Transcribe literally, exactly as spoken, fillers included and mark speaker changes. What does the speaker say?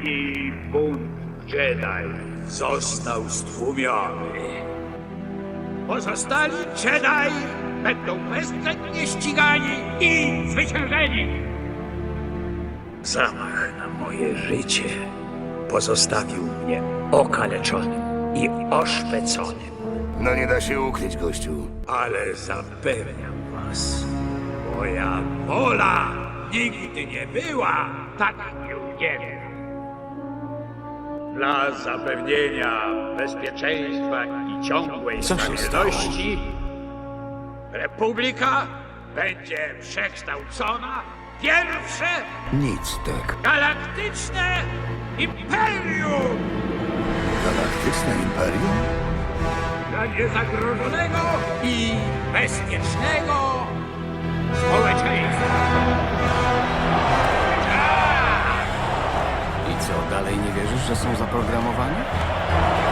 Speaker 1: i bunt Jedi został stłumiony. Pozostali Jedi będą bezwzględnie ścigani i zwyciężeni. Zamach na moje życie pozostawił mnie okaleczonym i oszpeconym.
Speaker 2: No nie da się ukryć, gościu.
Speaker 1: Ale zapewniam was, moja wola nigdy nie była tak nieugięta. Dla zapewnienia bezpieczeństwa i ciągłej
Speaker 3: Co się
Speaker 1: stabilności Republika będzie przekształcona w pierwsze
Speaker 2: Nic tak.
Speaker 1: galaktyczne imperium
Speaker 2: Galaktyczne Imperium?
Speaker 1: dla niezagrożonego i bezpiecznego społeczeństwa.
Speaker 3: I co, dalej nie wierzysz, że są zaprogramowani?